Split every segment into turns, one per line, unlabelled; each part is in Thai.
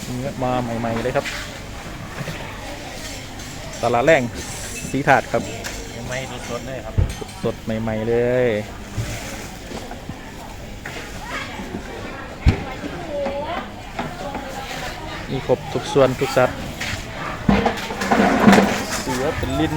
เนื้อมาใหม่ๆเลยครับตลาดแรงสีถาดครับ
ไม่สดเลยครับ
สดใหม่ๆเลยมีครบทุกส่วนทุกสัตว์เสือเป็นลิ้น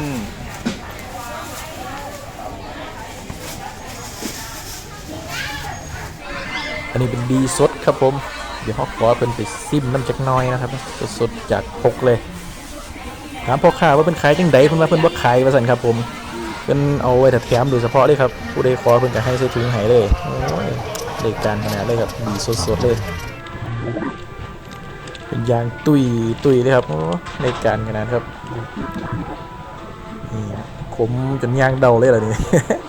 อันนี้เป็นดีสดครับผมเดี๋ยวเขาขอเป็นไปซิมน้ำจักน้อยนะครับสดๆจากพกเลยถามพ่อค้าว่าเป็นขายจังไดเพิ่นว่าเพิ่นบ่ขายว่าซั่นครับผมเพิ่นเอาไว้แถมโดยเฉพาะเลยครับผู้ใดขอเพิ่นก็ให้ใส่ถุงให้เลยโอ้ยได้การขนาดเลยครับดีสดๆเลยเป็นยางตุยเลยครับโอ้ได้การขนาดครับนี่ขมจนยางเดาเลยล่ะนี่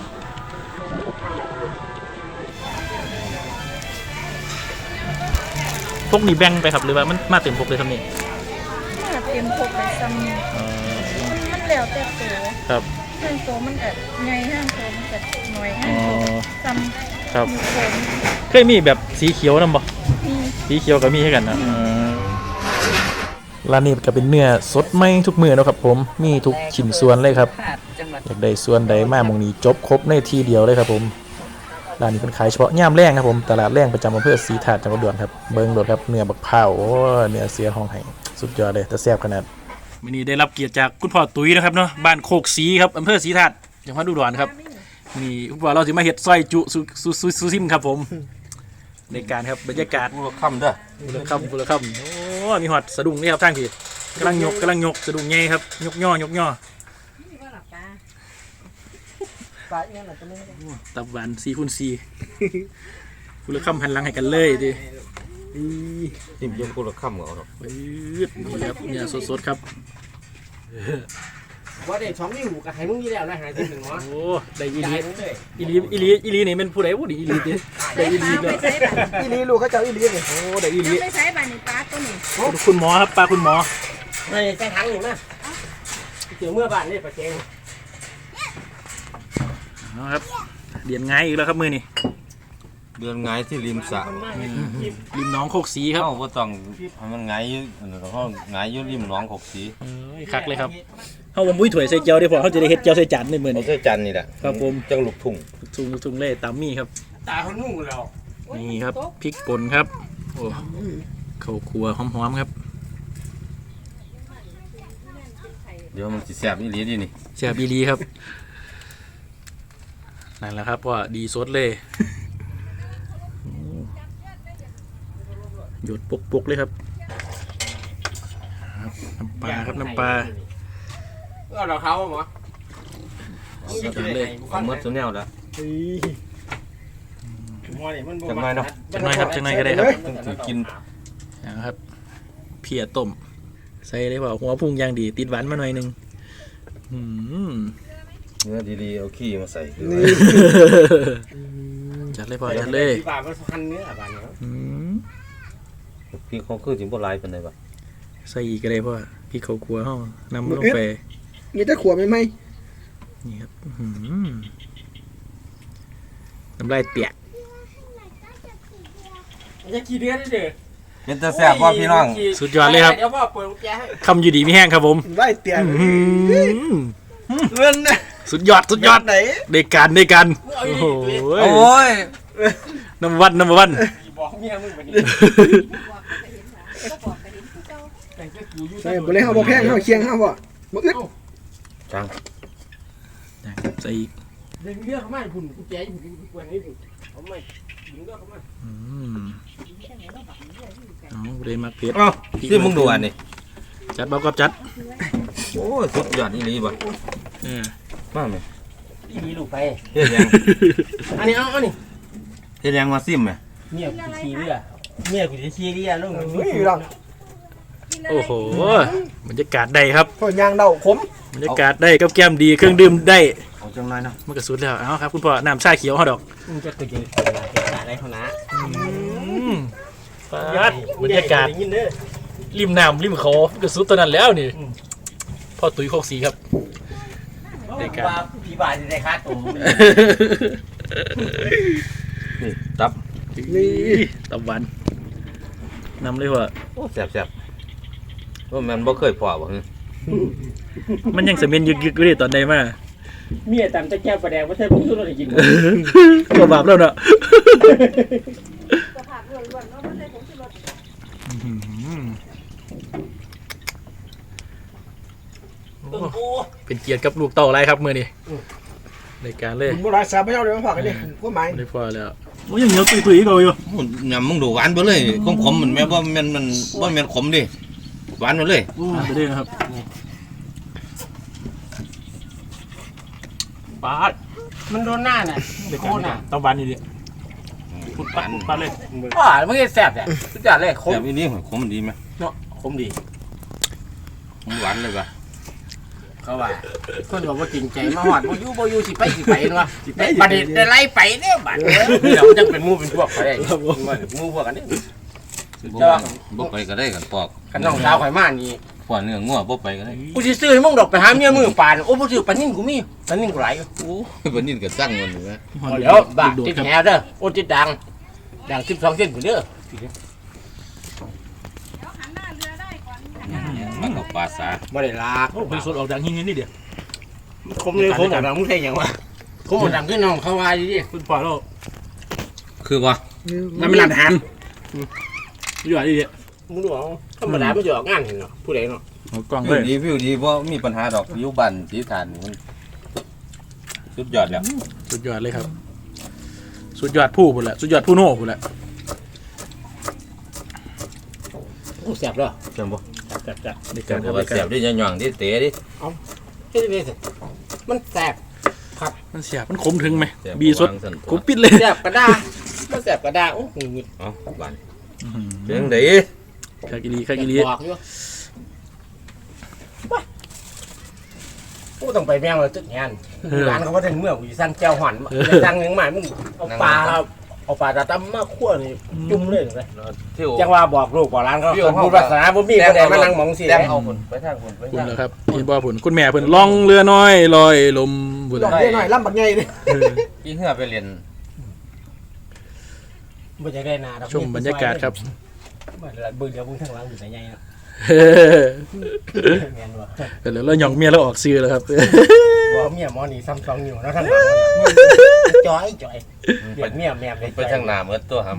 พวกนี้แบ่งไปครับหรือว่ามันมาเต็มพกเลยครับนี่
มาเต็มพกเลยซ้ำมันแล้วแต่โต
ครับ
ห้างโตมันก็ใหญ่ห้างโตมันก็น้อยห้างโตซ้ำ
ครับ
ผม
เคยมีแบบสีเขียวนํบ่สีเขียวก็มีให้กันนะร้านนี้ก็เป็นเนื้อสดใหม่ทุกมื้อนะครับผมมีทุกชิ้นส่วนเลยครับอยากได้ส่วนใดมาหม่องนี้จบครบในทีเดียวเลยครับผมร้านนี้เป็นขายเฉพาะย่ามแรงครับผมตลาดแรงประจำอำเภอศรีถาดจังหวัดอุดรครับเบิ่งโดดครับเนื้อบักพร้าวโอ้เนื้อเสือห้องไห้สุดยอดเลยแต่แซ่บขนาดมื้อนี้ได้รับเกียรติจากคุณพ่อตุ้ยนะครับเนาะบ้านโคกศรีครับอำเภอศรีถาดจังหวัดอุดรครับนี่คุณพ่อเราสิมาเฮ็ดซอยจุซูซิมครับผมในการครับบรรยากาศ
ผู้ละค่ำด้วย
ผู้ละค่ำโอ้มีหอดสะดุ้งนี่ครับทางพี่กำลังยกสะดุ้งใหญ่ครับยกย่อตับหวาน4x4ผู้ละค่ำหันหลังให้กันเลยดิ
จิ้มยกผู้ละค่ำเอาหรอก
นี่ครับเนี่ยสดๆครับ
ว่าเด็ก2 นิ้วกับไข่มึงนี่แล้วนะหาที่1เนาะ
โอ้ได้อีลีนี่เป็นผู้ใดผู้ดีอีลีดิได้อีลีเลย
อีลีลูกเขาเจ้าอีลีนี่
โอ้ได้อีลี
ไม่ใช่บานี่ปลาตัวนี้
คุณหมอครับปลาคุณหมอ
ไม่ใส่ถังนี่มาเดี๋ยวเมื่อบ้านนี่ปลาเค็ง
นะครับเดือนไงอีกแล้วครับมือนี่
เดือนไงที่ริมสระ
ริมหนองโคกศรีครับ
เขาก็ต้องมันไงเขาไงยุ่ริมหนองโคกศรี
คักเลยครับเขาบ่มุ้ยถ้วยใส่เจียวได้พอเขาจะได้เฮ็ดเจียวใส่จานในมือนี่
ใส่จานนี่แหละ
ครับผม
จังลูกทุ่ง
เล่ตามมี่ครับ
ตาคนนุ่งแล้ว
นี่ครับพริกป่นครับโอ้ข้าวคั่วหอมๆครับ
เดี๋ยวมันสิแซ่บอีหลีดินี่
แซ่บอีหลีครับนั่นแหละครับว่าดีสดเลยหยดปุกๆเลยครับน้ำปลาครับน้ำปลา
ก็เราเขาหมอ
สุดเลย
เอาเมื่อสุดแนวแล้ว
จังไร
เนาะ
จังไรครับจังไรก็ได้ครับ
ต้องกิน
นะครับเพียต้มใส่ได้เปล่าหัวพุงยางดีติดหวานมาหน่อยนึง
เนื้อดีๆเอาขี้มาใส่
จัดเลยป่ะจัดเลย
บาทมันพันเนื้อบาทเนาะ
พี่เขาคือจิ๋มโบราณเป็นไงบ้าง
ใส่อีกก็ได้เพราะพี่เขากลัวห้องน้ำลงไป
นี่จะขวบไหม
นี่ครับน้ำลายเปียก
จะกี่เดือนได้เด้อ
เป็นตาแซ่บว่าพี่น้อง
สุดยอดเลยครับคำอยู่ดีไม่แห้งครับผม
ไล่เตียงเงิน
สุดยอดได้การโอ้ยน้ำวัน
บอกเมียมึงแบบนี้ใส่บ่เลยเฮาบ่แพงเฮาเคียงเฮาบ่อึด
จัง
ใส่อีก
เรื่องเลือกเข้ามาหุ่นกูแจ๋อยู่กูกวนให้เอาไม่ดึงเลือกเข้ามา
เลยมาเผ็ด
ที่มึงดูอันนี้
จัดบอกกับจัด
โอ้สุดยอดอีหลีบ่มาไหม
อีหลีลูกไป
เฮ็ดยัง
อันนี้เอานี่
เฮ็ดยังมาซิมไหม
เมียกูขี้เรือลุง
โอ้โหบรรยากาศได้ครับ
ยางเดาขม
บรรยากาศได้กับแก้มดีเครื่องดื่มได้
เอาจังไรเนาะ
มันก็สุดแล้วเอาครับคุณพ่อน้ำชาเขียวฮอดอก
มึงจะตื่นอะไรเขานะ
บรรยากาศริมน้ำริมเขาก็สุดตอนนั้นแล้วนี่พ่อตุ้ยโคกศรีครับ
ได้การผีบาดได้ค่าตัว
นี่ตับ
หวานนำเลยพ่อ
โอ้แซ่บว่ามันบ่เคยพอบ่
มันยังเสมียนยึกๆอยู่ดิตอนใดมา
เมียตำจะแก้วปลาแดงว่าเธอพุ่งตัวเราได้กิน
ก็บาปแล้วเนาะ
กระผักล้วนๆเนาะมันได้ผงชูรส
เป็นเกียรติกับลูกเต่าไรครับมือนี่ในการเลย
โบราณสาไม่เอาเลยมาฝากกันดิพวกไม้
ได้พอแล้วโอ้ยยังเหนียวตุยๆเขาอยู่
ยำมึงดูหวานไปเลยขมๆมันแม้ว่ามันบ่แม่นขมดิหวานไปเลย
ไปเลยนะครับปาด
มันโดนหน้าน่ะ
ในการต้องบานนี่ดิพุดปัดเลย
ว้ามันก็แซ่บเนี่ยสุดยอดเลยคม
แซ่บอีนี่ขมมันดีไหม
เนาะคมดี
ขมหวานเลยป่ะ
เขาว่าคนบอกว่าจริงใจมาหอดบ่อยู่สิไปเนาะบัดนี้ได้ไล่ไปเนี่ยบัดเราจังเป็นหมู่เป็นพวกไปได้หมู่พวกกันนี่
บ่ไปก็ได้กันปอก
กันน้องสาวข่อยมานี่
ปอกเนื้องัวบ่ไปก็ได้
กูสิซื้อให้มึงดอกไปหาเมียมือปานโอ้บ่ซื้อปานนิ่งกูมีปานนิ่งกูหลาย
โอ้ยบ่นี่ก็สั่งมันอยู่นะ
เดี๋ยวบ้าติดแหเด้อโอ้ติดดัง12เส้นพุ่นเด้อ
เดี๋ยวหันหน้าเรือได้ก่อน
มันก็ปลาสา
บ่ได้ลา
โอ้ไปสดออกจากหิ้งนี่เดียว
คมเลยคมดังมึงใช่หยังวะคมดังขึ้นน้องเขาว่าดิ
คุณพอแล้ว
คือว่า
มันเป็นร้านอาหาร
อยู่อะไรดิ
มึงดูเอาธรรมดามันจะออกงานเห็นเนาะผู้ใดเนาะ
กล่อง
วิ
เล
วย ดีวิวดีบ่มีปัญหาดอกอยู่บ้านสีฐานมันสุดยอดแล้ว
สุดยอดเลยครับสุดยอดผู้พุ่นแหละสุดยอดผู้โน่พุ่นแหละ
โอ้แซ่บเด้อ
จังบ่
แซ่บ
ใน
จั
กาง ร
บ่ว่าแซ่บดิย่องๆดิเตะดิ
เฮ้ยสิมันแซ่บ
มันเสียบมันขมถึงไหม
แซ่
บีสด
วางซั่น
ขมปิดเลย
แซ่บกระดามันแซ่บกระดาโอ้โห
เอ้าบ้านเป็นจังได๋
คากิลีคากิลี
บอกอยู่โอ้ต้องไปแม่งเลยตึกงานร้านเขาว่าถึงเมื่อกูสั่งแก้วห่อนสั่งยังใหม่มึงเอาปลาตาตั้มมาคั่วนี่จุ่มเลยเลย
เที่ยว
จังว่าบอกลูกบอกร้านเขาพูดภาษาบ่มีคนใดมานั่งมองสิ
แต้งเอาพุ่นไปทางพุ่นไป
คุณ
ทาง
นะครับเห็นบ่ผุนคุณแม่ผุนล่องเรือน้อยลอยลมบุญ
ลองเรียกหน่อยล่ำบักใหญ่ดิ
พี่เหือไปเรียน
บ่จะได้นา
ชมบรรยากาศครับ
เบิ่งเดี๋ยวมึงทางหลังอยู่ไหนใหญ่นะแม่นบ่
แล้วเราหย่องเมียเราออกซื้อแล้วครับ
บ่เมียหมอนี่ซ้ำ2นิ้วเนาะทางหลังจ่อยเด็กเมียแม่เลย
ไปทางหน้าหมดตัวครับ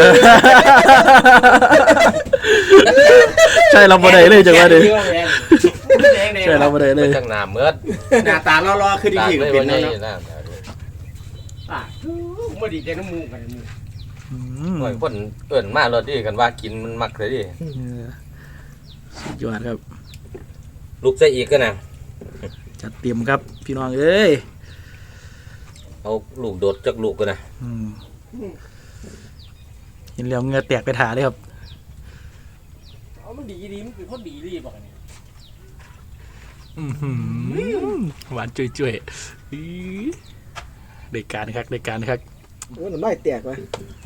ใช่เราบ่ได้เลยจังว่าดิใช่เราบ่ได้
ไป
เลย
ทางหน้าหมด
หน้าตาล่อๆคือดีก็เป็นเนาะ
นะ
อ่ะบ่ดีใจน้ำมูกกันมึง
หน่อยคนเอิ้นมารถดิกันว่ากินมันมักเลยดิ
สุดยอดครับ
ลูกใส่อีกก็นะ
จัดเตรียมครับพี่น้องเอ้ย
เอาลูกโดดจากลูกก็นะ
เห็นแล้วเหงื่อแตกไปถ่าเลยครับ
เอามันดีมันเป็นคนดีบอกกัน
หวานจุ่ยๆได้การครับ
โอ้หน่อยแตกว่ะ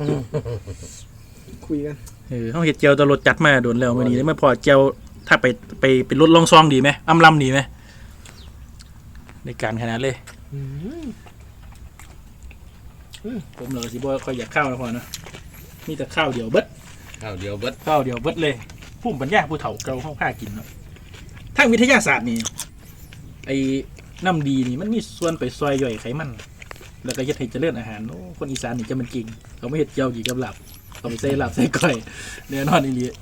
คุยกัน
เขาเห็ดเจียวตลดจัดมาโดนแล้ววันนี้ได้ไม่พอเจียวถ้าไปลดลองซองดีไหมอำลำดีไหมในการขนาดเลยผมเลยสิบ่ค่อยอยากข้าวนะพอนะมีแต่ข้าวเดียวเบิด
ข้าวเดียวเบิด
ข้าวเดียวเบิดเลยผู้ปัญญาผู้เฒ่าเก่าเข้าผ้ากินเนาะทางวิทยาศาสตร์นี่ไอ้น้ำดีนี่มันมีส่วนไปซอยย่อยไขมัน แล้วก็เฮ็ดให้เจริญอาหารโอ้คนอีสานนี่จะมันเก่งเขาไม่เฮ็ดเจียวกี่กับหลับเขาไปใส่หลับใส่ก้อยแน่นอนอีหลี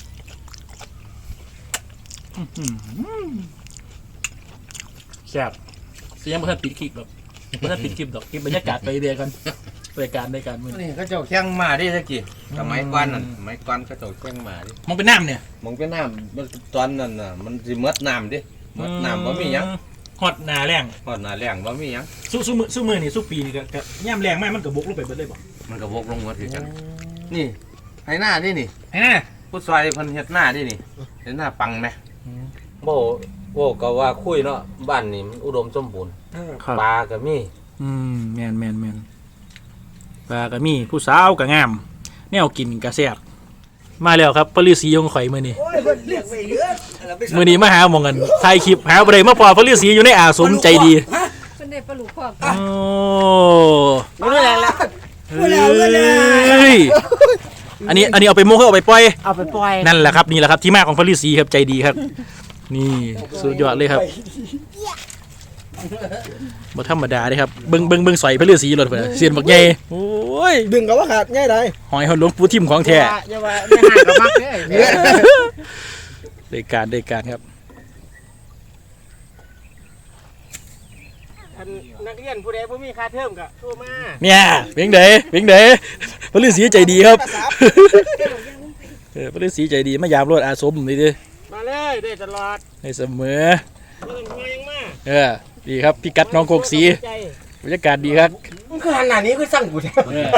แซ่บเสียงบ่ทันปิดคลิปหรอกบ่ทันปิดคลิปดอกเก็บบรรยากาศไปเรื่อยกันรายการมื้อ
นี่เขาเจ้าแข้งมาดิตะกี้สมัยก่อนนั่นสมัยก่อนเขาเจ้าแข้งมาดิ
มองเป็นน้ำเนี่ย
มองเป็นน้ำมันตอนนั้นน่ะมันสิเมดน้ำดิเมดน้ำบ่มีหยัง
ฮอดหน้าแรง
พอดหน้าแรงบ่มีหยัง
สู้มือนี่สู้ปีนี่ก็ย่ำแรงมากมันก็บกลงไปเบิดเลยบ่
มันก็วกลงหมดคือกันนี่ให้หน้าดินี่
ให้น่ะ
ผู้ซอยเพิ่นเฮ็ดหน้าดินี่เฮ็ดหน้าปังไหมโว้ก็ว่าคุยเนาะบ้านนี่มันอุดมสมบูรณ์
ครับ
ปลาก็มี
แม่นปลาก็มีผู้สาวก็งามแนวกินก็แซ่บมาแล้วครับปฤาษีของข่อยมื้อนี้มื้อนี้มาหาหม่องกันถ่ายคลิปหาบ่ได้มาพอปฤาษีอยู่ในอาสมใจดี
เป็นได้ปลาลูกพ่อ
โอ้
ไม่ได้แล้ว
เฮ้ยอันนี้เอาไปโม้เอาไปปล่อย
เอาไปปล่อย
นั่นแหละครับนี่แหละครับที่มาของพระฤาษีครับใจดีครับ นี่สุดยอดเลยครับบ่ธรรมดาเลยครับเบิ่งสอยพระฤาษีรถเพิ่นเสียนบักใหญ่โอ้ย
ดึงกับว่าขาดง่ายได้
หอยเฮาหลวงปู่ทิมของแท้
อย่าว่าไม่ห่างกับมักเด้อ
ได้การครับ
ท่านนักเรียนผู้ใดบ่มีค่าเทอมก็โทรมา
เนี่ยเพียงใดพระฤาษีใจดีครับพระฤาษีใจดีมายามรถอาสมนี่ดิ
มาเลยได้ตลอด
ให้เสมอ
บ่ต้องห่วงยังมา
ดีครับพี่กัดน้องโคกสีบรรยากาศดีครับ
มันคือหันหน้านี้คือสั่งกูแท้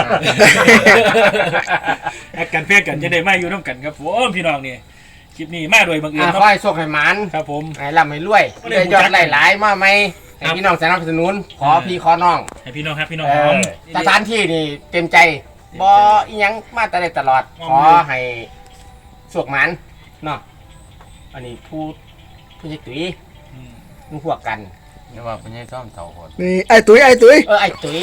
แอกกันเพื่อกันจะได้มาอยู่ร่วมกันครับผมพี่น้องนี่คลิปนี้มาโดยบังเอิญ
ขอให้โชคให้หมาน
ครับผม
ให้ร่ำให้รวยได้ยอดหลายๆมาไหมให้พี่น้องสนับสนุนขอพี่ขอน้อง
ให้พี่น้องครับพี่น้อง
สถานที่นี่เต็มใจบ่อีหยังมาแต่ได้ตลอด ขอให้โชคหมานเนาะอันนี้ผู้ใหญ่ตุ้ยมึงพวกกัน
นี่ว่าเป็นยังซ่อมเสาคน
นี่ไอ้ตุ้ยไอ้ตุ้ย
ไอ้ตุ้ย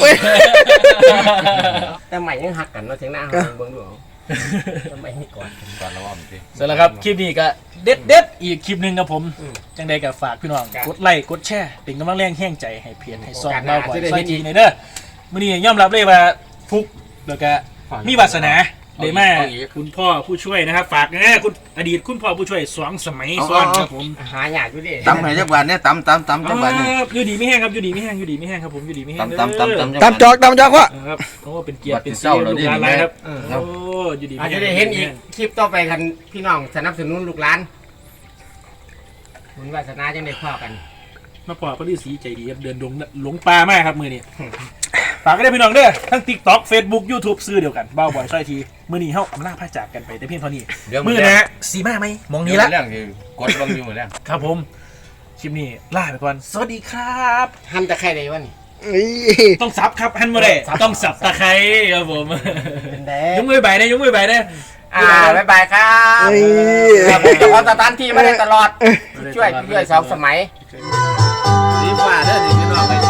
แต่ใหม่ยังหักกันเนาะเสียงหน้าเฮาเบิ่งดูเอาทำไมให้ก่อน
ก่อนระวังสิ
เสร็จแล้วครับคลิปนี้ก็เด็ดอีกคลิปหนึ่งครับผมจังใดก็ฝากพี่น้องกดไลค์กดแชร์เป็นกำลังแรงแห้งใจให้เพียรให้ซองเราบ่อยซอยทีในเด้อมื้อนี้ยอมรับเลยว่าฟุกแล้วก็มีวาสนาเลยมาคุณพ่อผู้ช่วยนะครับฝากนะคุณอดีตคุณพ่อผู้ช่วย2 สมัยซ้อนครับผม
หาหยาดอยู่ดิ
ตำให้จักบาทเนี่ยตำจักบาทนี่
อยู่ดีไม่แห้งครับอยู่ดีไม่แห้งครับผมอยู่ดีไม่แห้ง
ตำ
ตามจอกว่า
ครับโอ้เป็นเกียรติเป็น
เจ้า
เสีย
เรา
ลู
ดิ
กหลานหลายครับโอ้อยู่ดี
อาจจะได้เห็นอีกคลิปต่อไปกันพี่น้องสนับสนุนลูกหลานบุญวาสนาจังได้พ่อกัน
มาปอพระฤาษีใจดีครับเดินดงหลงป่ามากครับมือนี้ฝากก็ได้พี่น้องเด้อทั้ง TikTok Facebook YouTube ซื้อเดียวกันเบ้าบ่อยซอยทีมือนี้เฮาอำลาพระจากกันไปแต่เพียงเท่านี้มือนะสีมาไหมมองนี้ละ
เรื่องที่กดบังอยู่หมดแล้ว
ครับผมคลิปนี้ลาไปก่อนสวัสดีครับ
หันตะไคร้ได้วะนี่
นี่
ต้องซับครับฮันมาได้ต้องสับตะไคร้ครับผม
เป็นแด
ยกมือใบนะยกมือใบนะ
บ๊ายบายครับ
นี่
ครับผมจะขอสถานที่มาได้ตลอดช่วย2 สมัย
สีฟ้าเด้อนี่พี่น้อง